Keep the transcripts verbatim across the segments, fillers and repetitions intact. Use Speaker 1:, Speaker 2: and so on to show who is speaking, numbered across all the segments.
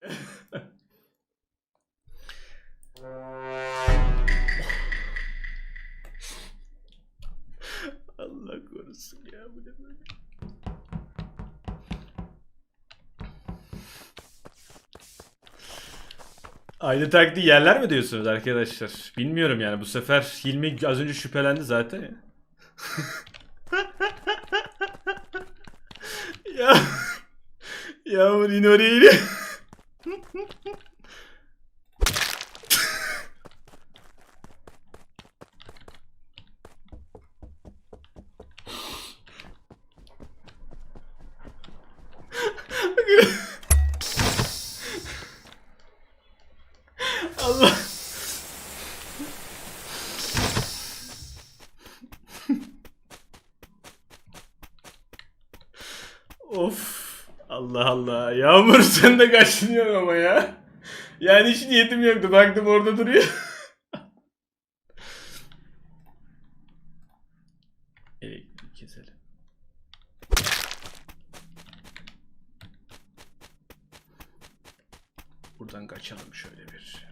Speaker 1: Allah korusun ya, bu ne böyle? Aynı taktiği yerler mi diyorsunuz arkadaşlar? Bilmiyorum yani, bu sefer Hilmi az önce şüphelendi zaten ya. Ya Yağmur yine oraya iniyor. Allah. Of. Allah Allah. Yağmur sen de kaçınıyorsun ama ya. Yani hiç niyetim yoktu. Baktım orada duruyor. Elektriği keselim. Buradan kaçalım şöyle bir.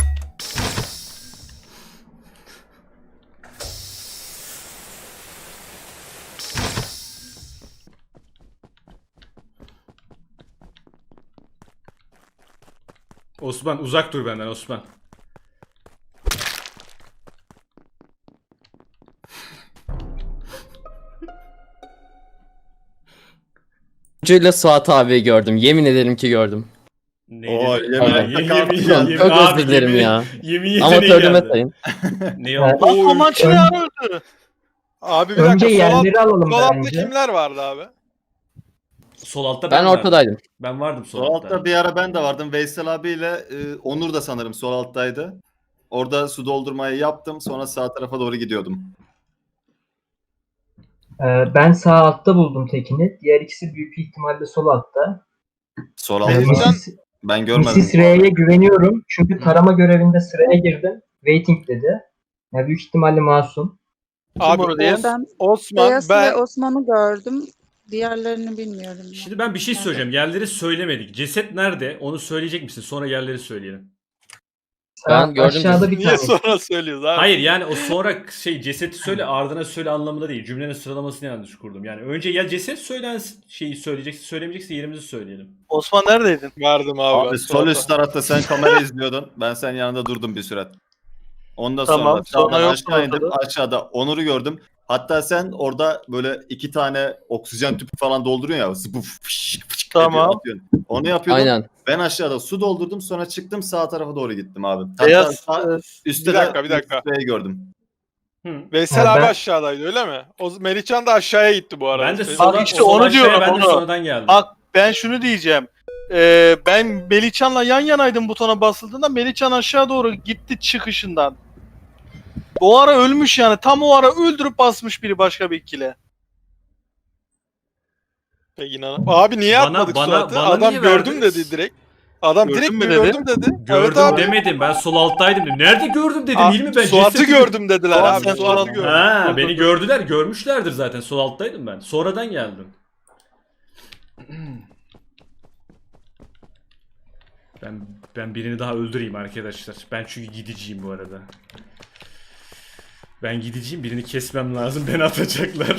Speaker 1: Osman uzak dur benden Osman.
Speaker 2: Ucuyla Suat abi gördüm. Yemin ederim ki gördüm.
Speaker 1: Neydi?
Speaker 3: Oo,
Speaker 1: Yemin,
Speaker 3: yemin-
Speaker 1: yemin, yemin,
Speaker 3: Yemin-
Speaker 1: yemin, yemin,
Speaker 2: Çok
Speaker 1: abi,
Speaker 2: özür dilerim
Speaker 1: yemin-
Speaker 2: ya.
Speaker 1: Yemin yeteneği
Speaker 2: Amatörlüğüme
Speaker 1: geldi.
Speaker 2: sayın.
Speaker 1: Ne
Speaker 4: Evet.
Speaker 1: oldu?
Speaker 5: Lan Komançı ne ara öldü?
Speaker 4: Abi bir
Speaker 5: Önce
Speaker 4: dakika. Sol, alt,
Speaker 5: yerleri alalım
Speaker 4: sol altta
Speaker 5: bence.
Speaker 4: kimler vardı abi?
Speaker 1: Sol altta ben,
Speaker 2: Ben
Speaker 1: vardım.
Speaker 2: ortadaydım.
Speaker 1: Ben vardım sol,
Speaker 3: Sol
Speaker 1: altta.
Speaker 3: altta bir ara ben de vardım. Veysel abiyle e, Onur da sanırım sol alttaydı. Orada su doldurmayı yaptım. Sonra sağ tarafa doğru gidiyordum.
Speaker 5: Ee, ben sağ altta buldum tekini. Diğer ikisi büyük bir ihtimalle sol altta.
Speaker 3: Sol
Speaker 5: Ee,
Speaker 3: altta
Speaker 4: Benim-
Speaker 5: Missis,
Speaker 3: ben görmedim.
Speaker 5: Missis R'ye güveniyorum. Çünkü tarama görevinde sıraya girdim. Waiting dedi. Yani büyük ihtimalle masum.
Speaker 4: Abi
Speaker 6: onu diyen?
Speaker 4: Os-
Speaker 6: Ben
Speaker 4: Osman
Speaker 6: Beyaz
Speaker 4: ben
Speaker 6: ve Osman'ı gördüm. Diğerlerini bilmiyorum. ya.
Speaker 1: Şimdi ben bir şey söyleyeceğim. Yerleri söylemedik. Ceset nerede? Onu söyleyecek misin? Sonra yerleri söyleyelim.
Speaker 5: Sağ
Speaker 2: Ben gördüm
Speaker 5: aşağıda bir
Speaker 4: niye
Speaker 5: tane.
Speaker 4: sonra söylüyoruz abi?
Speaker 1: Hayır yani o sonra şey ceseti söyle ardına söyle anlamında değil. Cümlenin sıralamasını yanlış kurdum. Yani önce ya ceset söylensin şeyi söyleyeceksin, söylemeyecekse yerimizi söyleyelim.
Speaker 6: Osman neredeydin?
Speaker 4: Verdim abi.
Speaker 3: Abi
Speaker 4: ben
Speaker 3: sol
Speaker 4: Suat'a.
Speaker 3: üst tarafta sen kamera izliyordun. Ben senin yanında durdum bir süre. Ondan
Speaker 6: Tamam,
Speaker 3: sonra
Speaker 6: sonra
Speaker 3: sağdan
Speaker 6: yok
Speaker 3: aşağı indim.
Speaker 6: ortada.
Speaker 3: Aşağıda Onur'u gördüm. Hatta sen orada böyle iki tane oksijen tüpü falan dolduruyorsun ya. Zıpıf, fışk, fışk
Speaker 6: Tamam.
Speaker 3: ediyor, atıyorsun. Onu yapıyordum.
Speaker 2: Aynen.
Speaker 3: Ben aşağıda su doldurdum, sonra çıktım sağ tarafa doğru gittim abi. Hatta
Speaker 6: Beyaz
Speaker 3: sağ-
Speaker 6: e,
Speaker 3: üstte
Speaker 4: Bir dakika,
Speaker 3: de
Speaker 4: bir dakika.
Speaker 3: Mesut'u gördüm.
Speaker 1: Hı.
Speaker 4: Veysel
Speaker 5: Ha,
Speaker 4: abi
Speaker 5: ben-
Speaker 4: aşağıdaydı öyle mi? O Melihcan da aşağıya gitti bu arada.
Speaker 1: Ben de
Speaker 4: Senin-
Speaker 1: sola,
Speaker 6: işte
Speaker 1: sol
Speaker 6: onu
Speaker 1: aşağıya
Speaker 6: diyorum,
Speaker 1: ben de
Speaker 6: onu.
Speaker 1: sonradan geldim.
Speaker 6: Bak ben şunu diyeceğim. Ee, ben Melihcan'la yan yanaydım butona basıldığında. Melihcan aşağı doğru gitti çıkışından. O ara ölmüş yani. Tam o ara öldürüp basmış biri başka bir ikile.
Speaker 4: Peki inan. Abi niye
Speaker 1: Bana-
Speaker 4: atmadık
Speaker 1: bana-
Speaker 4: Suat'ı?
Speaker 1: bana
Speaker 4: Adam
Speaker 1: niye
Speaker 4: gördüm
Speaker 1: verdiniz?
Speaker 4: dedi direkt. Adam
Speaker 6: Gördün
Speaker 4: direkt
Speaker 6: mü dedi?
Speaker 4: gördüm dedi. Evet
Speaker 1: Gördüm
Speaker 4: abi.
Speaker 1: demedim. Ben sol alttaydım dedim. Nerede gördüm dedim.
Speaker 4: Aa,
Speaker 1: Hilmi ben
Speaker 4: Suat'ı
Speaker 1: cesedi-
Speaker 4: gördüm dediler
Speaker 6: Suat,
Speaker 4: abi.
Speaker 6: sen
Speaker 4: Suat'ı
Speaker 6: Suat'ı
Speaker 4: gördüm.
Speaker 1: Ha,
Speaker 6: Dur,
Speaker 1: beni
Speaker 6: dur, dur.
Speaker 1: gördüler. Görmüşlerdir zaten. Sol alttaydım ben. Sonradan geldim. Ben ben birini daha öldüreyim arkadaşlar. Ben çünkü gideceğim bu arada. Ben gideceğim. Birini kesmem lazım. Beni atacaklar.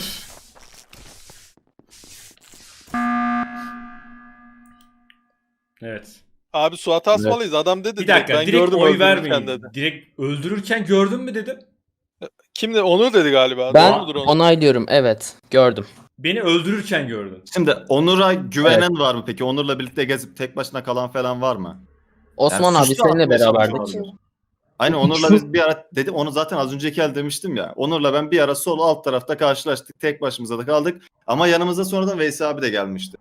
Speaker 1: Evet.
Speaker 4: Abi Suat'ı asmalıyız. Adam dedi
Speaker 1: Bir dakika.
Speaker 4: direkt,
Speaker 1: Direkt,
Speaker 4: ben gördüm
Speaker 1: oy
Speaker 4: öldürürken
Speaker 1: vermeyin.
Speaker 4: dedi.
Speaker 1: Direkt öldürürken gördün mü dedim.
Speaker 4: Kim de onu dedi galiba.
Speaker 2: Ben
Speaker 4: Doğru mudur onu?
Speaker 2: onaylıyorum. Evet. Gördüm.
Speaker 1: Beni öldürürken gördün.
Speaker 3: Şimdi Onur'a güvenen var mı peki? Onur'la birlikte gezip tek başına kalan falan var mı?
Speaker 2: Osman
Speaker 3: Yani
Speaker 2: abi
Speaker 3: suçlu
Speaker 2: seninle
Speaker 3: atmaya
Speaker 2: beraberdik.
Speaker 3: çalışıyorlar. Aynen Onur'la biz bir ara dedim onu zaten az önceki el demiştim ya. Onur'la ben bir ara sol alt tarafta karşılaştık. Tek başımıza da kaldık. Ama yanımıza sonradan Veysel abi de gelmişti.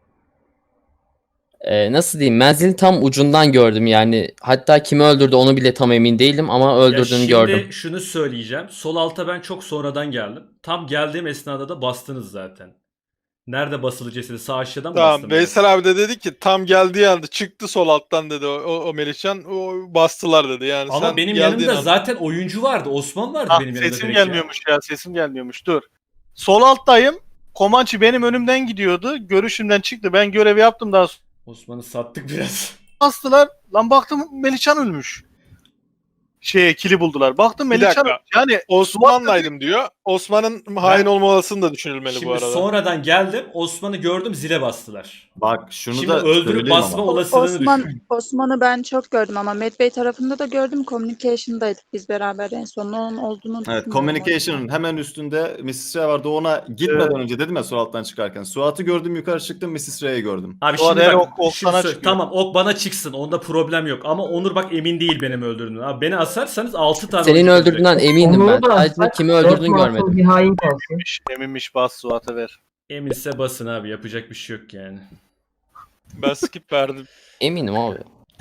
Speaker 2: Ee, nasıl diyeyim? Menzilin tam ucundan gördüm yani. Hatta kimi öldürdü onu bile tam emin değilim ama
Speaker 1: Ya
Speaker 2: öldürdüğünü
Speaker 1: şimdi
Speaker 2: gördüm.
Speaker 1: şunu söyleyeceğim. Sol alta ben çok sonradan geldim. Tam geldiğim esnada da bastınız zaten. Nerede basılı cesedi? Sağ aşağıdan mı
Speaker 4: Tamam
Speaker 1: bastım?
Speaker 4: Veysel abi de dedi ki tam geldiği anda çıktı sol alttan dedi o, o, o Melihcan o bastılar dedi yani.
Speaker 1: Ama
Speaker 4: sen
Speaker 1: benim
Speaker 4: geldiğin
Speaker 1: yanımda
Speaker 4: anda-
Speaker 1: zaten oyuncu vardı. Osman vardı
Speaker 6: Ah,
Speaker 1: benim yanımda.
Speaker 6: sesim
Speaker 1: direkt ya.
Speaker 6: gelmiyormuş ya. Sesim gelmiyormuş. Dur. Sol alttayım. Komançı benim önümden gidiyordu. Görüşümden çıktı. Ben görevi yaptım daha sonra.
Speaker 1: Osman'ı sattık biraz.
Speaker 6: bastılar. Lan baktım Melihcan ölmüş. Şeye kili buldular. Baktım
Speaker 4: Bir
Speaker 6: Melihcan
Speaker 4: dakika.
Speaker 6: yani
Speaker 4: Osman'laydım diyor. Osman'ın hain olma olasılığı da düşünülmeli
Speaker 1: Şimdi
Speaker 4: bu arada.
Speaker 1: sonradan geldim. Osman'ı gördüm, zile bastılar.
Speaker 3: Bak şunu
Speaker 1: Şimdi
Speaker 3: da
Speaker 1: öldürüp
Speaker 3: söyleyeyim
Speaker 1: basma
Speaker 3: ama.
Speaker 1: olasılığını
Speaker 7: Osman
Speaker 1: düşün.
Speaker 7: Osman'ı ben çok gördüm ama Medbay tarafında da gördüm. Communication'daydık biz beraber en son. Onun olduğunu
Speaker 3: Evet,
Speaker 7: düşünüyorum.
Speaker 3: communication'ın hemen üstünde missus Ray vardı. Ona gitmeden
Speaker 6: Evet.
Speaker 3: önce dedim ya su alttan çıkarken. Suat'ı gördüm, yukarı çıktım, missus Ray'i gördüm.
Speaker 1: Abi
Speaker 6: Sonra
Speaker 1: şimdi
Speaker 6: her
Speaker 1: bak,
Speaker 6: ok- ok
Speaker 1: şimdi
Speaker 6: sana
Speaker 1: söyle-
Speaker 6: çıkıyor.
Speaker 1: tamam ok bana çıksın. Onda problem yok. Ama Onur bak emin değil benim öldürdüğümden. Abi beni asarsanız altı tane
Speaker 2: Senin
Speaker 1: oyuncu ölecek.
Speaker 2: öldürdüğünden eminim
Speaker 5: Onları
Speaker 2: ben.
Speaker 5: da
Speaker 2: Sadece
Speaker 5: atsak,
Speaker 2: kimi
Speaker 5: dört
Speaker 2: öldürdüğünü
Speaker 5: masum
Speaker 2: görmedim.
Speaker 5: bir hain kalsın.
Speaker 6: Eminmiş, eminmiş bas Suat'a ver.
Speaker 1: Eminse basın abi. Yapacak bir şey yok yani.
Speaker 4: Ben skip verdim.
Speaker 2: Eminim abi.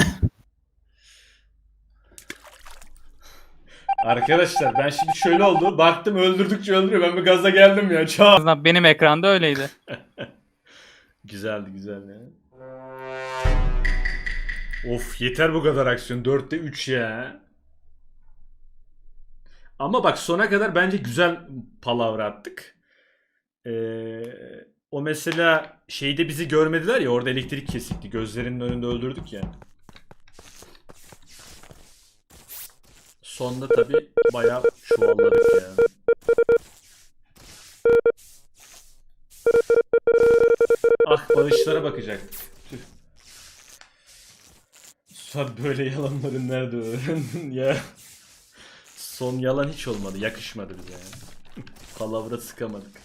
Speaker 1: Arkadaşlar ben şimdi şöyle oldu. Baktım öldürdükçe öldürüyor. Ben bir gaza geldim ya. Çağ.
Speaker 8: azından benim ekranda öyleydi.
Speaker 1: Güzeldi güzeldi ya. Of yeter bu kadar aksiyon. dörtte üç ya. Ama bak sona kadar bence güzel palavra attık. Ee, o mesela şeyde bizi görmediler ya, orada elektrik kesikti. Gözlerinin önünde öldürdük ya. Sonda tabi bayağı çuvalladık ya. Ah bağışlara bakacaktık. Tüh. Sen böyle yalanları nerede öğrendin ya? Son yalan hiç olmadı. Yakışmadı bize yani. Palavra sıkamadık.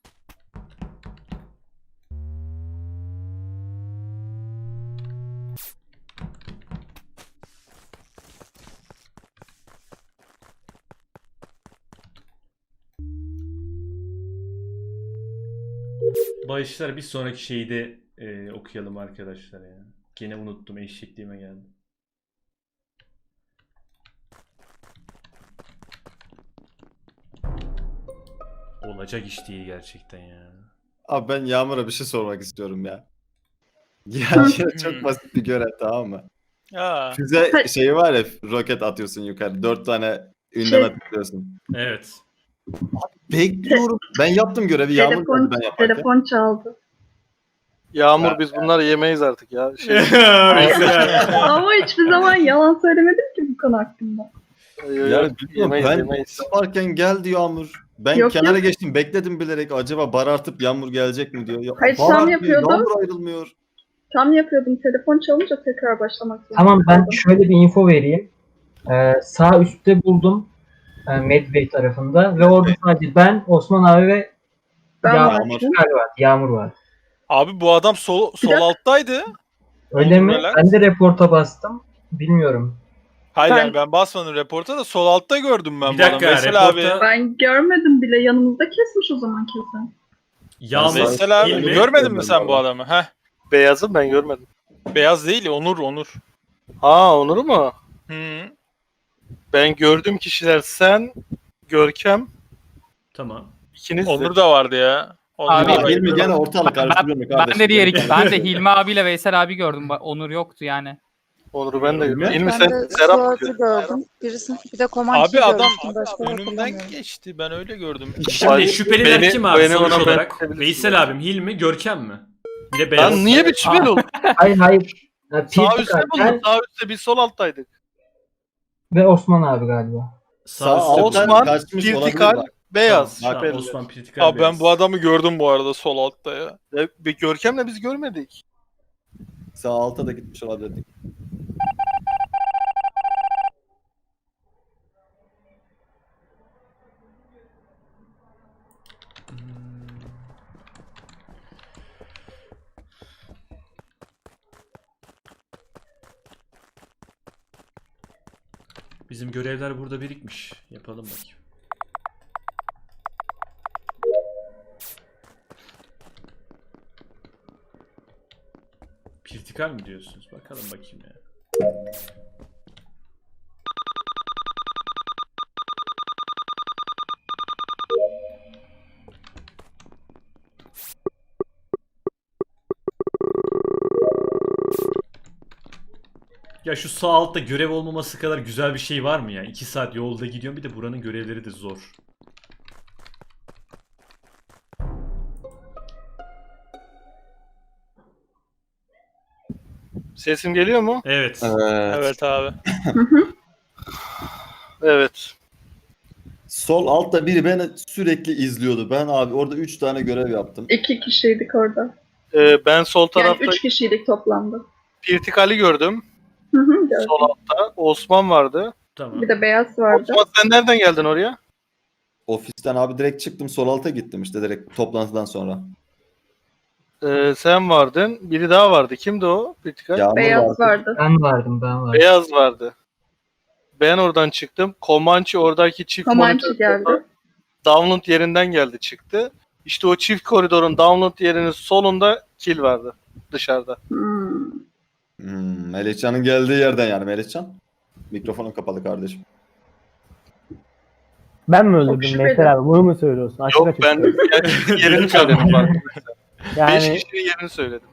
Speaker 1: Bağışlar bir sonraki şeyi de e, okuyalım arkadaşlar ya. Gene unuttum, eşekliğime geldi. Olacak iş değil gerçekten ya.
Speaker 3: Abi ben Yağmur'a bir şey sormak istiyorum ya. Ya yine çok basit bir görev, tamam mı?
Speaker 4: Ya.
Speaker 3: Füze şeyi var ya, roket atıyorsun yukarı. Dört tane ünleme tıklıyorsun.
Speaker 1: Evet.
Speaker 3: Bekliyorum. Ben yaptım görevi. Yağmur
Speaker 9: Telefon,
Speaker 3: geldi ben yaparken.
Speaker 9: telefon çaldı.
Speaker 6: Yağmur
Speaker 3: Ha,
Speaker 6: biz bunları yemeyiz artık ya. Şey,
Speaker 1: Mesela.
Speaker 9: Ama hiçbir zaman yalan söylemedim ki bu konu hakkında.
Speaker 3: Yani bilmiyorum,
Speaker 6: yemeyiz
Speaker 3: ben
Speaker 6: yemeyiz.
Speaker 3: yaparken geldi Yağmur. Ben
Speaker 9: Yok,
Speaker 3: kenara
Speaker 9: yok.
Speaker 3: geçtim, bekledim bilerek, acaba barartıp Yağmur gelecek mi diyor. Ya,
Speaker 9: Hayır, tam
Speaker 3: barartmıyor,
Speaker 9: yapıyordum.
Speaker 3: Yağmur ayrılmıyor.
Speaker 9: Tam yapıyordum. Telefon çalınca tekrar başlamak zorunda
Speaker 5: Tamam ben
Speaker 9: kaldım.
Speaker 5: şöyle bir info vereyim. Ee, sağ üstte buldum. E, Medbay tarafında ve orada sadece ben, Osman abi ve
Speaker 9: Ben
Speaker 5: Ya-
Speaker 9: vardım.
Speaker 5: Yağmur var. Yağmur var.
Speaker 4: Abi bu adam sol, sol
Speaker 9: dakika.
Speaker 4: alttaydı.
Speaker 5: Öyle mi?
Speaker 4: Relax.
Speaker 5: Ben de reporta bastım. Bilmiyorum.
Speaker 4: Hayır
Speaker 9: Ben-
Speaker 4: yani ben basmadım reporta da sol altta gördüm ben
Speaker 1: Bir
Speaker 4: bu adamı.
Speaker 1: dakika,
Speaker 4: Veysel abi.
Speaker 1: reporta-
Speaker 9: Ben görmedim bile. Yanımızda kesmiş o zaman kesin.
Speaker 1: Yalnız
Speaker 4: Veysel abi
Speaker 1: İlmi-
Speaker 4: görmedin mi sen bu adamı? Heh.
Speaker 6: Beyazı ben görmedim.
Speaker 4: Beyaz değil Onur Onur.
Speaker 6: Ha Onur mu?
Speaker 4: Hı.
Speaker 6: Ben gördüğüm kişiler sen, Görkem,
Speaker 1: Tamam.
Speaker 6: ikiniz de.
Speaker 4: Onur da vardı ya. Onur
Speaker 8: Abi-
Speaker 4: da
Speaker 3: Ya
Speaker 4: vardı.
Speaker 3: Hilmi gene ortalık
Speaker 8: Ben,
Speaker 3: karıştırıyor mu kardeşim?
Speaker 8: ben de diğer iki, ben de Hilmi abiyle Veysel abi gördüm. Ba- Onur yoktu yani.
Speaker 6: Onur'u ben de gördüm.
Speaker 3: Ben
Speaker 6: İlmi
Speaker 7: Ben
Speaker 6: sen
Speaker 7: de
Speaker 6: Serap mı
Speaker 7: Suat'ı
Speaker 6: gördün?
Speaker 7: gördüm. Birisi, bir de Comanche'yi
Speaker 4: Abi adam
Speaker 7: görmüştüm. Başka da
Speaker 4: önümden
Speaker 7: hatırlamıyorum.
Speaker 4: geçti. Ben öyle gördüm.
Speaker 1: Şimdi
Speaker 6: Beni-
Speaker 1: şüpheliler
Speaker 6: beni-
Speaker 1: kim abi
Speaker 6: beni
Speaker 1: sonuç
Speaker 6: ona
Speaker 1: olarak?
Speaker 6: bırakabilirsin.
Speaker 1: Veysel abim, Hilmi, Görkem mi? Bir de Beyaz.
Speaker 6: Lan niye bir şüpheli oldu?
Speaker 5: Hayır hayır. Ya,
Speaker 6: Sağ
Speaker 5: Pirtik
Speaker 6: üstte
Speaker 5: abi,
Speaker 6: buldum.
Speaker 5: ben
Speaker 6: Sağ üstte biz sol alttaydık.
Speaker 5: ve Osman abi galiba.
Speaker 3: Sağ
Speaker 1: Sağ üstte
Speaker 3: alttan
Speaker 6: Osman,
Speaker 3: kaçmış olabilir
Speaker 6: Pirtikal,
Speaker 3: bak.
Speaker 6: Beyaz.
Speaker 1: Tamam,
Speaker 6: şüpheliler.
Speaker 1: Osman Pirtikal
Speaker 4: Abi ben
Speaker 1: Beyaz.
Speaker 4: bu adamı gördüm bu arada sol altta ya.
Speaker 6: E, bir Görkem'le biz görmedik.
Speaker 3: Sağ alta da gitmiş olabilir.
Speaker 1: Bizim görevler burada birikmiş. Yapalım bakayım. Pirtikal mi diyorsunuz? Bakalım bakayım ya. Ya şu sağ altta görev olmaması kadar güzel bir şey var mı ya? iki saat yolda gidiyorum, bir de buranın görevleri de zor.
Speaker 6: Sesim geliyor mu?
Speaker 1: Evet.
Speaker 3: Evet.
Speaker 4: Evet abi.
Speaker 9: Hı hı.
Speaker 6: Evet.
Speaker 3: Sol altta biri beni sürekli izliyordu. Ben abi orada üç tane görev yaptım.
Speaker 9: İki kişiydik orada.
Speaker 6: Ee, ben sol
Speaker 9: Yani
Speaker 6: tarafta
Speaker 9: üç kişiydik toplamda.
Speaker 6: Pirtikali gördüm.
Speaker 9: Hı hı, gördüm.
Speaker 6: Sol altta. Osman vardı.
Speaker 1: Tamam.
Speaker 9: Bir de beyaz vardı.
Speaker 6: Osman sen nereden geldin oraya?
Speaker 3: Ofisten abi direkt çıktım sol alta gittim işte direkt toplantıdan sonra.
Speaker 6: Ee, sen vardın. Biri daha vardı. Kimdi o? Pirtikal.
Speaker 3: Yağmur
Speaker 9: Beyaz
Speaker 3: vardı.
Speaker 9: vardı.
Speaker 5: Ben vardım ben vardım.
Speaker 6: Beyaz vardı. Ben oradan çıktım. Comanche oradaki çift
Speaker 9: Comanche
Speaker 6: monitör-
Speaker 9: geldi.
Speaker 6: Download yerinden geldi çıktı. İşte o çift koridorun download yerinin solunda kill vardı. Dışarıda.
Speaker 9: Hmm.
Speaker 3: Hmm, Melihcan'ın geldiği yerden yani Melihcan. Mikrofonun kapalı kardeşim.
Speaker 10: Ben mi
Speaker 9: Çok
Speaker 10: öldürdüm
Speaker 9: şüpheli.
Speaker 10: Veysel abi? Bunu mu söylüyorsun? Açık
Speaker 6: Yok
Speaker 10: açık
Speaker 6: ben
Speaker 10: söyle.
Speaker 6: gerçekten yerini söyledim bak. Beş
Speaker 10: Yani
Speaker 6: kişinin yerini söyledim.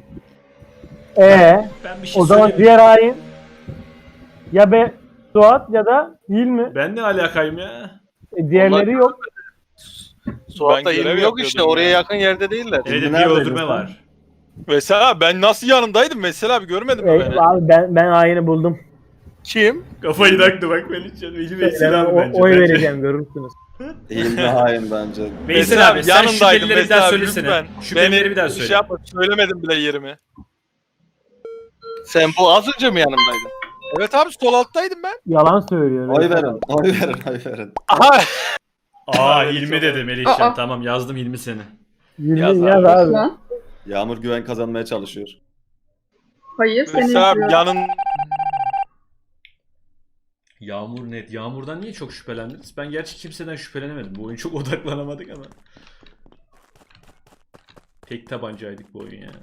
Speaker 10: ee,
Speaker 1: Ben bir şey
Speaker 10: o zaman
Speaker 1: söyleyeyim.
Speaker 10: diğer hain ya be Suat ya da değil mi?
Speaker 1: Ben ne alakayım ya?
Speaker 10: E, diğerleri yok.
Speaker 6: Suat'ta
Speaker 4: Ben görev
Speaker 6: yerim yok işte.
Speaker 4: yapıyordum
Speaker 6: Oraya
Speaker 4: ya.
Speaker 6: yakın yerde değiller.
Speaker 1: Evet bir
Speaker 3: neredeydin
Speaker 1: öldürme
Speaker 3: sen?
Speaker 1: var.
Speaker 4: Veysel abi ben nasıl yanındaydım? Veysel abi görmedin mi
Speaker 10: E,
Speaker 4: beni?
Speaker 10: abi ben ben haini buldum.
Speaker 6: Kim?
Speaker 1: Kafayı taktı bak Melihcan. Veli
Speaker 10: Ben
Speaker 1: Veysel abi
Speaker 10: o-
Speaker 1: bence.
Speaker 10: oy
Speaker 1: Bence.
Speaker 10: vereceğim görürsünüz.
Speaker 3: İlmi hain bence.
Speaker 1: Veysel abi sen şüphelileri bir
Speaker 4: Veysel
Speaker 1: daha
Speaker 4: abi,
Speaker 1: söylesene.
Speaker 4: lütfen.
Speaker 1: Şüphelileri
Speaker 4: Beni
Speaker 1: bir daha
Speaker 4: Şey
Speaker 1: söyle.
Speaker 4: yapma, söylemedim bile yerimi.
Speaker 6: Sen bu az önce mi yanımdaydın?
Speaker 4: Evet abi sol alttaydım ben.
Speaker 10: Yalan söylüyor.
Speaker 3: Oy
Speaker 10: Veysel
Speaker 3: verin,
Speaker 10: abi.
Speaker 3: oy verin, oy verin.
Speaker 4: Aha.
Speaker 1: Aa
Speaker 4: Evet,
Speaker 1: Hilmi
Speaker 4: çok-
Speaker 1: dedi Melihcan.
Speaker 9: Aa.
Speaker 1: Tamam yazdım Hilmi seni.
Speaker 10: Yirmi
Speaker 4: Yaz
Speaker 10: yaz,
Speaker 4: abi.
Speaker 10: abi.
Speaker 9: Osman.
Speaker 3: Yağmur güven kazanmaya çalışıyor.
Speaker 9: Hayır seni
Speaker 4: Veysel abi
Speaker 9: izliyorum.
Speaker 4: yanın
Speaker 1: Yağmur net. Yağmurdan niye çok şüphelendiniz? Ben gerçi kimseden şüphelenemedim. Bu oyun çok odaklanamadık ama. Tek tabancaydık bu oyun ya.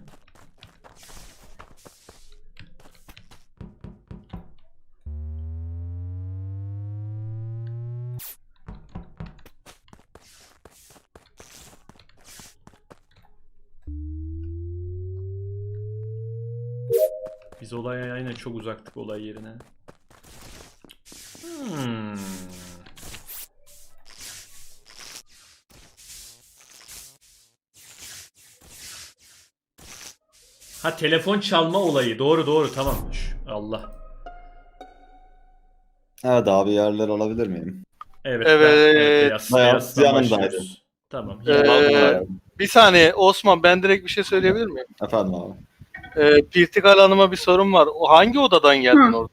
Speaker 1: Biz olaya aynen çok uzaktık olay yerine. Hmm. Ha telefon çalma olayı. Doğru doğru tamam. Şş, Allah.
Speaker 3: Evet abi yerler alabilir miyim?
Speaker 1: Evet.
Speaker 6: Evet.
Speaker 1: ben- evet beyaz,
Speaker 3: Beyaz
Speaker 1: beyazdan
Speaker 3: yanındaydı.
Speaker 1: başlıyoruz. Tamam.
Speaker 6: Ee,
Speaker 1: Hilmi.
Speaker 6: Bir saniye Osman ben direkt bir şey söyleyebilir miyim?
Speaker 3: Efendim abi.
Speaker 6: Ee, Pirtikal Hanım'a bir sorun var. O hangi odadan geldin
Speaker 9: Hı.
Speaker 6: orada?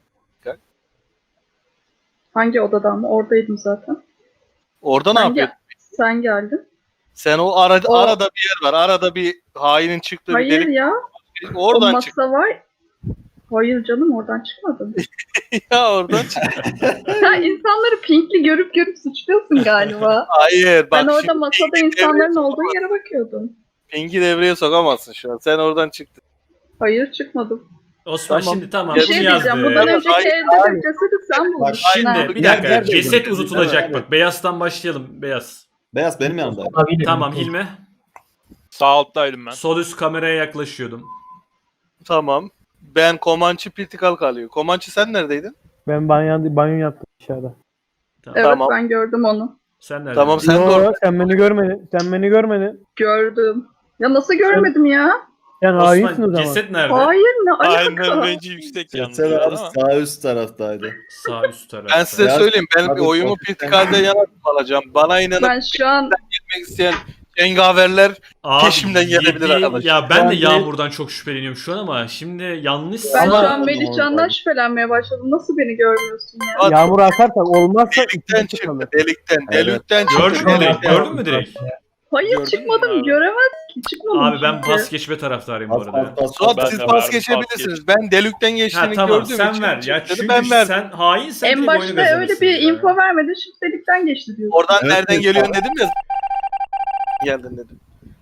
Speaker 9: Hangi odadan mı? Oradaydım zaten.
Speaker 6: Orada ne
Speaker 9: Sen,
Speaker 6: yapıyordun?
Speaker 9: gel- sen geldin.
Speaker 6: Sen o, ara,
Speaker 9: O-
Speaker 6: arada bir yer var. Arada bir hainin çıktığı bir
Speaker 9: Hayır
Speaker 6: delik.
Speaker 9: ya. O
Speaker 6: Oradan
Speaker 9: masa
Speaker 6: çık.
Speaker 9: var. Hayır canım oradan çıkmadım.
Speaker 6: Ya oradan çık.
Speaker 9: Sen insanları pinkli görüp görüp suçluyorsun galiba.
Speaker 6: Hayır bak.
Speaker 9: Ben orada
Speaker 6: şimdi
Speaker 9: masada
Speaker 6: Pingi
Speaker 9: insanların
Speaker 6: devreye
Speaker 9: olduğu
Speaker 6: sokamazsın.
Speaker 9: yere bakıyordum.
Speaker 6: Pingi devreye sokamazsın şu an. Sen oradan çıktın.
Speaker 9: Hayır çıkmadım.
Speaker 1: Osman
Speaker 6: Tamam.
Speaker 1: şimdi tamam
Speaker 9: Bir
Speaker 1: bunu
Speaker 9: şey
Speaker 1: yazdı.
Speaker 9: diyeceğim. Bundan
Speaker 6: Hayır,
Speaker 9: önceki
Speaker 6: hayır,
Speaker 9: evde de cesedi sen
Speaker 3: Bak
Speaker 9: bulmuşsun.
Speaker 1: Şimdi
Speaker 9: ha.
Speaker 1: bir
Speaker 3: Yer-
Speaker 1: dakika.
Speaker 3: yer
Speaker 1: Ceset
Speaker 3: değiştirdi.
Speaker 1: uzatılacak
Speaker 3: Evet,
Speaker 1: bak. Beyazdan başlayalım. Beyaz.
Speaker 3: Beyaz benim yanımdaydı.
Speaker 5: Abiyle
Speaker 1: Tamam
Speaker 5: birlikte.
Speaker 1: Hilmi.
Speaker 4: sağ alttaydım ben.
Speaker 1: Sol üst kameraya yaklaşıyordum.
Speaker 6: Tamam. Ben Comanche Pirtikal kalıyor. Comanche sen neredeydin?
Speaker 10: Ben banyo, banyo yaptım dışarıda.
Speaker 1: Tamam.
Speaker 9: Evet
Speaker 6: Tamam.
Speaker 9: ben gördüm onu.
Speaker 1: Sen neredesin?
Speaker 6: Tamam sen de
Speaker 10: Yo,
Speaker 6: orada.
Speaker 10: sen beni görmedin. Sen beni görmedin.
Speaker 9: Gördüm. Ya nasıl görmedim ya?
Speaker 10: Sen hainsin o
Speaker 1: Osman
Speaker 10: zaman.
Speaker 1: ceset nerede?
Speaker 9: Hayır ne
Speaker 4: Aynen
Speaker 9: alaka?
Speaker 4: renci yüksek
Speaker 3: Ceset
Speaker 4: yalnız.
Speaker 3: abi
Speaker 4: ama.
Speaker 3: sağ üst taraftaydı.
Speaker 1: Sağ üst tarafta.
Speaker 6: Ben size
Speaker 3: Ya-
Speaker 6: söyleyeyim. Ben
Speaker 3: Abi,
Speaker 6: oyumu
Speaker 3: ofisten-
Speaker 6: Pirtikal'de yana alacağım. Bana inanıp
Speaker 9: Ben şu an
Speaker 6: gitmek isteyen cengaverler
Speaker 1: Abi,
Speaker 6: peşimden gelebilir
Speaker 1: yedi-
Speaker 6: arkadaşlar.
Speaker 1: Ya ben de
Speaker 10: Ben de-
Speaker 1: Yağmur'dan çok şüpheleniyorum şu an ama şimdi yanlışsa
Speaker 9: ben
Speaker 10: Ama-
Speaker 9: şu an Melihcan'dan şüphelenmeye başladım. Nasıl beni görmüyorsun ya?
Speaker 6: Hadi.
Speaker 10: Yağmur atarsak olmazsa
Speaker 6: Delikten
Speaker 10: ikisi
Speaker 6: çıktı.
Speaker 10: kalır.
Speaker 6: Delikten.
Speaker 3: Evet.
Speaker 6: Delikten çıktı.
Speaker 1: gördün mü direkt?
Speaker 6: Delikten.
Speaker 1: Gördün mü direkt?
Speaker 9: Hayır
Speaker 4: Gördün mü
Speaker 9: çıkmadım.
Speaker 4: abi?
Speaker 9: Göremez ki. Çıkmadım
Speaker 1: Abi ben
Speaker 9: çünkü.
Speaker 1: pas geçme taraftarıyım bu
Speaker 3: Bas,
Speaker 1: arada.
Speaker 3: bas, bas,
Speaker 6: Suat
Speaker 3: bas.
Speaker 4: Ben
Speaker 6: siz
Speaker 4: de
Speaker 6: pas
Speaker 4: verdim,
Speaker 6: geçebilirsiniz.
Speaker 4: pas
Speaker 6: Ben delikten
Speaker 1: Ha
Speaker 6: geçtiğini
Speaker 1: tamam
Speaker 6: gördüğüm
Speaker 1: sen
Speaker 6: için
Speaker 1: ver. Ya
Speaker 6: çıktı,
Speaker 1: çünkü
Speaker 6: ben verdim.
Speaker 1: sen hainsen
Speaker 9: En
Speaker 1: direkt oyunu
Speaker 9: başta öyle
Speaker 1: kazanırsın
Speaker 9: bir
Speaker 1: ya.
Speaker 9: info vermedin. Şimdi delikten geçti diyorsun.
Speaker 6: Oradan
Speaker 3: Evet,
Speaker 6: nereden
Speaker 3: evet.
Speaker 6: geliyorsun dedim ya. Geldin dedim.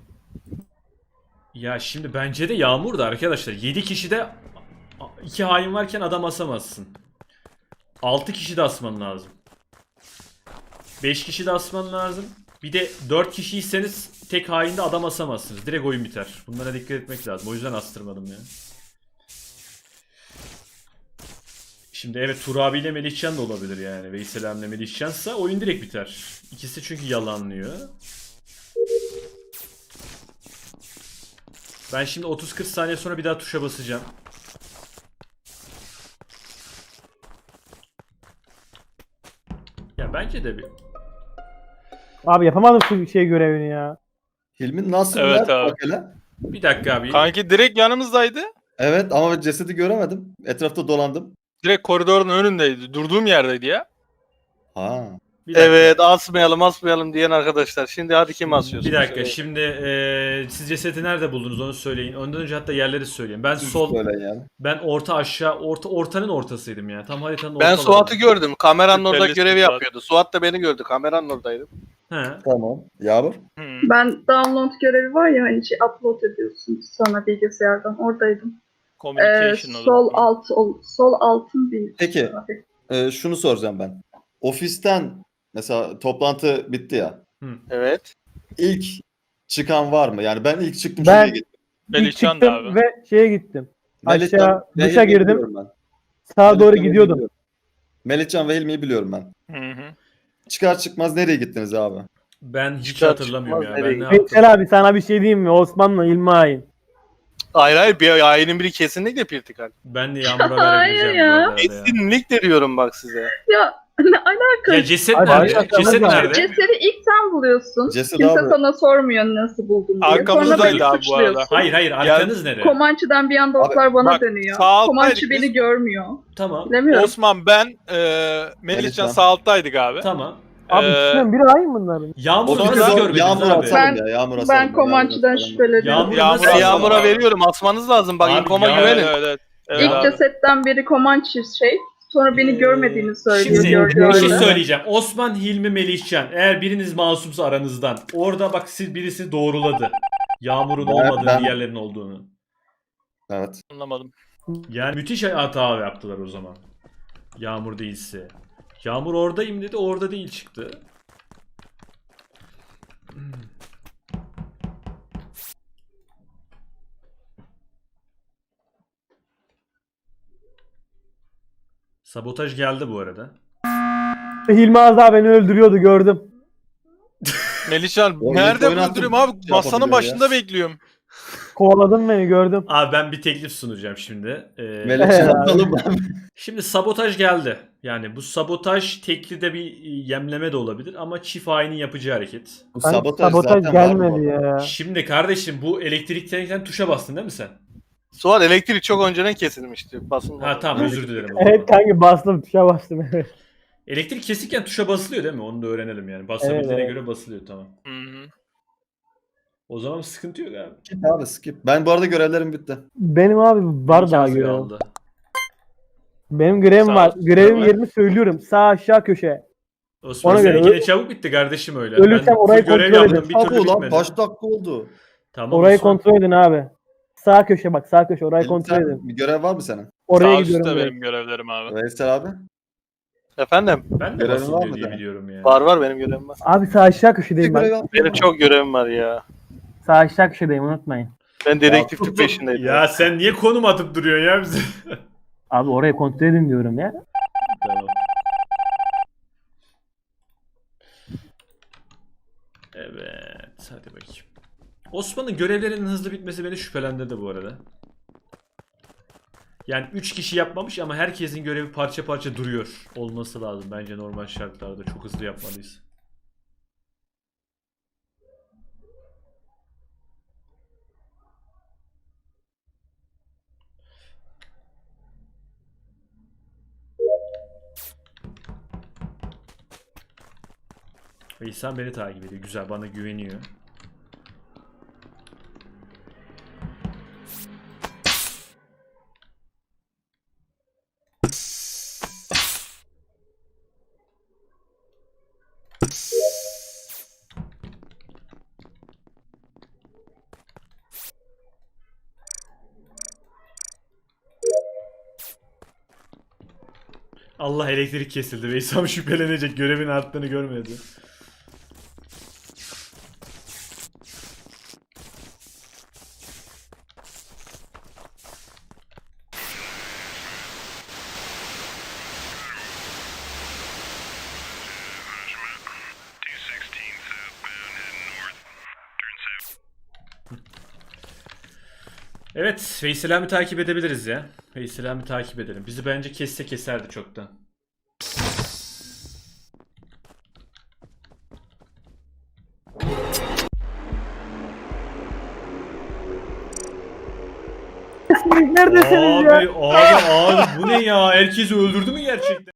Speaker 1: Ya şimdi bence de Yağmur da arkadaşlar. yedi kişide iki hain varken adam asamazsın. altı kişi de asman lazım. beş kişi de asman lazım. Bir de dört kişiyseniz tek hainde adam asamazsınız. Direkt oyun biter. Bunlara dikkat etmek lazım. O yüzden astırmadım ya. Şimdi evet Turabi ile Melihcan da olabilir yani. Veysel ile Melihcan'sa oyun direkt biter. İkisi çünkü yalanlıyor. Ben şimdi otuz kırk saniye sonra bir daha tuşa basacağım. Bence de bir.
Speaker 10: Abi yapamadım şu şey görevini ya.
Speaker 3: Hilmi nasıl
Speaker 4: Evet
Speaker 3: nerede
Speaker 4: abi.
Speaker 3: bak hele?
Speaker 1: Bir dakika abi.
Speaker 4: Kanki direkt yanımızdaydı.
Speaker 3: Evet ama cesedi göremedim. Etrafta dolandım.
Speaker 4: Direkt koridorun önündeydi. Durduğum yerdeydi ya.
Speaker 3: Ha.
Speaker 1: Bir dakika.
Speaker 6: Evet asmayalım asmayalım diyen arkadaşlar. Şimdi hadi kim asıyorsun?
Speaker 1: Bir dakika
Speaker 6: Söyleyin.
Speaker 1: şimdi eee siz cesedi nerede buldunuz onu söyleyin. Ondan önce hatta yerleri söyleyin. Ben
Speaker 3: Siz
Speaker 1: sol,
Speaker 3: söyleyin yani.
Speaker 1: ben orta aşağı, orta ortanın ortasıydım ya. Tam haritanın
Speaker 6: Ben
Speaker 1: ortalarında.
Speaker 6: Suat'ı gördüm. Kameranın orada
Speaker 4: Şüphelisin
Speaker 6: görevi
Speaker 4: Suat.
Speaker 6: yapıyordu. Suat da beni gördü. Kameranın oradaydı.
Speaker 1: He.
Speaker 3: Tamam. Yağmur.
Speaker 4: Hmm.
Speaker 9: Ben download görevi var ya hani şey upload ediyorsun sonra bilgisayardan oradaydım. Ee,
Speaker 4: Communication olur.
Speaker 9: sol alt ol- sol altın bir.
Speaker 3: Peki. e, şunu soracağım ben. Ofisten mesela toplantı bitti ya.
Speaker 6: Evet.
Speaker 3: İlk çıkan var mı? Yani ben ilk çıktım
Speaker 10: Ben-
Speaker 3: şuraya gittim.
Speaker 10: İlk
Speaker 4: Melihcan da
Speaker 10: çıktım
Speaker 4: abi.
Speaker 10: ve şeye gittim.
Speaker 3: Melihcan
Speaker 10: Aşağı
Speaker 3: ve
Speaker 10: dışa
Speaker 3: Hilmi'yi
Speaker 10: girdim.
Speaker 3: biliyorum ben.
Speaker 10: Sağa doğru
Speaker 3: Melihcan ve
Speaker 10: gidiyordum.
Speaker 3: Hilmi'yi biliyorum. Melihcan ve Hilmi'yi biliyorum ben.
Speaker 4: Hı hı.
Speaker 3: Çıkar çıkmaz nereye gittiniz abi?
Speaker 1: Ben hiç
Speaker 6: Çıkar
Speaker 1: hatırlamıyorum ya.
Speaker 6: çıkmaz
Speaker 1: Ben
Speaker 6: nereye
Speaker 1: ne yaptım?
Speaker 10: Veysel abi sana bir şey diyeyim mi? Osman'la İlmi Ayin.
Speaker 6: Hayır hayır bir ayının biri kesinlikle Pirtikal.
Speaker 1: Ben de Yağmur'a
Speaker 9: Hayır
Speaker 1: verebileceğim
Speaker 9: ya.
Speaker 1: bu arada ya.
Speaker 6: Kesinlikle diyorum bak size.
Speaker 9: Ya ne alaka?
Speaker 1: Ya ceset
Speaker 10: Hadi,
Speaker 1: nerede?
Speaker 10: hadi,
Speaker 1: Ceset
Speaker 10: hadi.
Speaker 1: nerede?
Speaker 9: Cesedi ilk sen buluyorsun.
Speaker 3: Ceset
Speaker 9: Kimse
Speaker 3: abi.
Speaker 9: sana sormuyor nasıl buldun diye.
Speaker 4: Arkamızdaydı
Speaker 9: Sonra beni
Speaker 4: abi bu arada.
Speaker 9: suçluyorsun.
Speaker 1: Hayır hayır arkanız nere?
Speaker 9: Komançı'dan bir anda oklar bana
Speaker 4: bak,
Speaker 9: dönüyor.
Speaker 4: sağ alttaydık
Speaker 9: Komançı
Speaker 4: biz.
Speaker 9: beni görmüyor.
Speaker 1: Tamam.
Speaker 9: Bilemiyorum.
Speaker 4: Osman ben e,
Speaker 3: Melihcan.
Speaker 4: Melihcan sağ alttaydık abi.
Speaker 1: Tamam.
Speaker 10: Abi
Speaker 4: Ee,
Speaker 10: ikisinden biri Ayin bunların.
Speaker 1: Yağmur'u
Speaker 4: Sonra
Speaker 1: nasıl
Speaker 4: da
Speaker 1: görmediniz
Speaker 3: Yağmur
Speaker 1: abi?
Speaker 3: atalım
Speaker 9: Ben-
Speaker 3: ya. Yağmur atalım.
Speaker 9: Ben
Speaker 3: ya,
Speaker 9: Komançı'dan
Speaker 3: Yağmur atalım.
Speaker 9: şüpheleniyorum.
Speaker 1: Yağmur
Speaker 4: Yağmur'a
Speaker 1: nasıl-
Speaker 6: Yağmur'a
Speaker 4: abi.
Speaker 6: veriyorum. Asmanız lazım. Bak
Speaker 1: Abi,
Speaker 6: inkoma
Speaker 1: Yağmur-
Speaker 6: güvenin.
Speaker 4: Evet evet. evet
Speaker 9: İlk
Speaker 4: abi.
Speaker 9: cesetten biri Komançı şey. Sonra beni
Speaker 1: Ee,
Speaker 9: görmediğini söylüyor.
Speaker 1: Şimdi
Speaker 9: gördüğü
Speaker 1: bir şey
Speaker 9: halde.
Speaker 1: söyleyeceğim. Osman, Hilmi, Melihcan. Eğer biriniz masumsa aranızdan. Orada bak siz birisi doğruladı. Yağmur'un
Speaker 3: Ben-
Speaker 1: olmadığını,
Speaker 3: ben-
Speaker 1: diğerlerinin olduğunu.
Speaker 3: Evet.
Speaker 4: Anlamadım.
Speaker 1: Yani müthiş hata yaptılar o zaman. Yağmur değilse. Yağmur oradayım dedi, orada değil çıktı. Sabotaj geldi bu arada.
Speaker 10: Hilmi az daha beni öldürüyordu gördüm.
Speaker 4: Melihcan
Speaker 3: Oğlum,
Speaker 4: nerede
Speaker 3: oynattım.
Speaker 4: öldürüyorum abi?
Speaker 3: Şey
Speaker 4: Masanın
Speaker 3: yapabiliyor
Speaker 4: başında
Speaker 3: ya.
Speaker 4: bekliyorum.
Speaker 10: Kovaladın beni gördüm.
Speaker 1: Abi ben bir teklif sunacağım şimdi. Ee,
Speaker 3: Melihcan atalım abi.
Speaker 1: Şimdi sabotaj geldi. Yani bu sabotaj tekli de bir yemleme de olabilir ama çift hainin yapacağı hareket.
Speaker 3: Bu
Speaker 10: Hani
Speaker 3: sabotaj,
Speaker 10: sabotaj
Speaker 3: zaten var bu
Speaker 10: gelmedi
Speaker 3: arada.
Speaker 10: ya.
Speaker 1: Şimdi kardeşim bu elektrikten tuşa bastın değil mi sen?
Speaker 6: Suat elektrik çok önceden kesilmişti. Basın.
Speaker 1: Ha tamam özür dilerim. o
Speaker 10: Evet
Speaker 1: zaman.
Speaker 10: kanka bastım tuşa bastım evet.
Speaker 1: Elektrik kesikken tuşa basılıyor değil mi? Onu da öğrenelim yani. Basabildiğine
Speaker 10: Evet.
Speaker 1: göre basılıyor tamam.
Speaker 4: Hı hı.
Speaker 1: O zaman sıkıntı yok abi.
Speaker 3: Skip abi skip. Ben bu arada görevlerim bitti.
Speaker 10: Benim abi var daha
Speaker 1: İmkansız
Speaker 10: görevim.
Speaker 1: kaldı.
Speaker 10: Benim görevim
Speaker 4: Sağ
Speaker 10: var.
Speaker 4: ol.
Speaker 10: Görevim
Speaker 1: Tamam.
Speaker 10: yerini söylüyorum. Sağ aşağı köşe.
Speaker 1: Osman
Speaker 10: Ona
Speaker 1: sen
Speaker 10: göre
Speaker 1: yine
Speaker 10: öl-
Speaker 1: çabuk bitti kardeşim öyle.
Speaker 10: Ölürsem
Speaker 1: Ben
Speaker 10: orayı
Speaker 1: full görev
Speaker 10: kontrol
Speaker 1: yaptım
Speaker 10: edin.
Speaker 1: bir türlü
Speaker 3: Abi ulan
Speaker 1: bitmedi.
Speaker 3: kaç dakika oldu?
Speaker 1: Tamam
Speaker 10: Orayı
Speaker 1: Osman.
Speaker 10: kontrol edin abi. Sağ köşe bak sağ köşe orayı kontrol
Speaker 3: Sen-
Speaker 10: edin.
Speaker 3: bir görev var mı senin?
Speaker 10: Oraya
Speaker 4: Sağ
Speaker 10: gidiyorum.
Speaker 4: üstte
Speaker 10: direkt.
Speaker 4: benim görevlerim abi.
Speaker 3: Veysel abi.
Speaker 6: Efendim?
Speaker 1: Ben de
Speaker 3: Görevin var
Speaker 1: basılıyor
Speaker 3: mı
Speaker 1: diye
Speaker 3: senin?
Speaker 1: biliyorum yani.
Speaker 6: Var var benim görevim var.
Speaker 10: Abi sağ aşağı
Speaker 3: Bir
Speaker 10: köşedeyim
Speaker 3: görev
Speaker 10: ben.
Speaker 3: yapayım
Speaker 6: Benim
Speaker 3: mı?
Speaker 6: çok görevim var ya.
Speaker 10: Sağ aşağı köşedeyim unutmayın.
Speaker 6: Ben dedektiflik peşindeydim.
Speaker 1: Ya sen niye konum atıp duruyorsun ya bize?
Speaker 10: Abi orayı kontrol edin diyorum ya.
Speaker 1: Tamam. Evet, hadi bakayım. Osman'ın görevlerinin hızlı bitmesi beni şüphelendirdi bu arada. Yani üç kişi yapmamış ama herkesin görevi parça parça duruyor olması lazım bence normal şartlarda. Çok hızlı yapmalıyız. Veysel beni takip ediyor. Güzel, bana güveniyor. Allah elektrik kesildi. Veysel şüphelenecek. Görevin arttığını görmedi. Evet, Veysel abi takip edebiliriz ya. Veysel abi takip edelim. Bizi bence kesse keserdi çoktan.
Speaker 10: Emrik neredesiniz ya?
Speaker 1: Abi abi abi bu ne ya? Herkesi öldürdü mü gerçekten?